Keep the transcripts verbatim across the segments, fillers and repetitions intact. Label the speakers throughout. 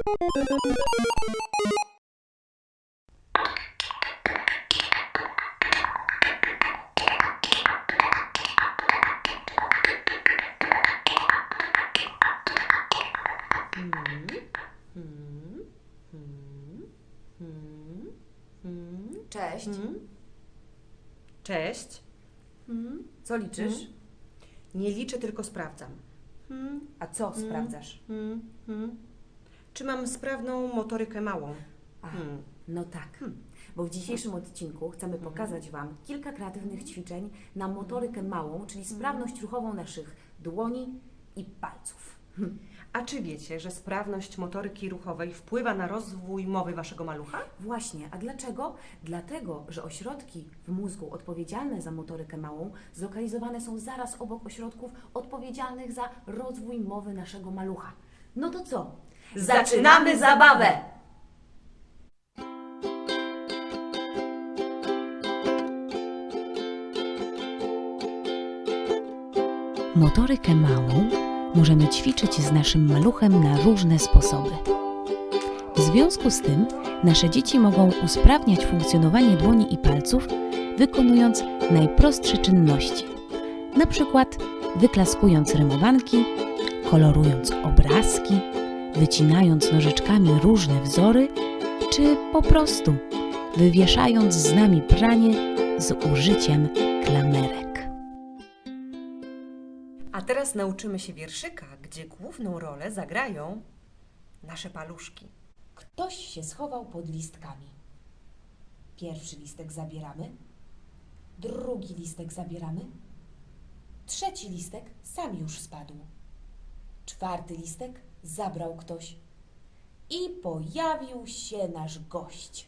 Speaker 1: Cześć.
Speaker 2: Cześć.
Speaker 1: Co liczysz?
Speaker 2: Nie liczę, tylko sprawdzam.
Speaker 1: A co sprawdzasz?
Speaker 2: Czy mam sprawną motorykę małą?
Speaker 1: A, no tak. Bo w dzisiejszym odcinku chcemy pokazać Wam kilka kreatywnych ćwiczeń na motorykę małą, czyli sprawność ruchową naszych dłoni i palców.
Speaker 2: A czy wiecie, że sprawność motoryki ruchowej wpływa na rozwój mowy waszego malucha?
Speaker 1: Właśnie, a dlaczego? Dlatego, że ośrodki w mózgu odpowiedzialne za motorykę małą zlokalizowane są zaraz obok ośrodków odpowiedzialnych za rozwój mowy naszego malucha. No to co? Zaczynamy zabawę!
Speaker 3: Motorykę małą możemy ćwiczyć z naszym maluchem na różne sposoby. W związku z tym nasze dzieci mogą usprawniać funkcjonowanie dłoni i palców, wykonując najprostsze czynności, na przykład wyklaskując rymowanki, kolorując obrazki, wycinając nożyczkami różne wzory, czy po prostu wywieszając z nami pranie z użyciem klamerek.
Speaker 2: A teraz nauczymy się wierszyka, gdzie główną rolę zagrają nasze paluszki.
Speaker 1: Ktoś się schował pod listkami. Pierwszy listek zabieramy, drugi listek zabieramy, trzeci listek sam już spadł, czwarty listek zabrał ktoś i pojawił się nasz gość.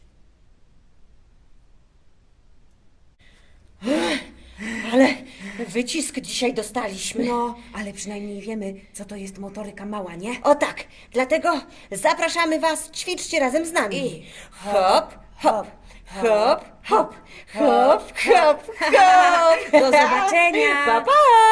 Speaker 4: Ale wycisk dzisiaj dostaliśmy.
Speaker 1: No, ale przynajmniej wiemy, co to jest motoryka mała, nie?
Speaker 4: O tak, dlatego zapraszamy Was, ćwiczcie razem z nami.
Speaker 1: I
Speaker 4: hop, hop, hop, hop, hop, hop, hop.
Speaker 1: do zobaczenia!
Speaker 4: Pa, pa!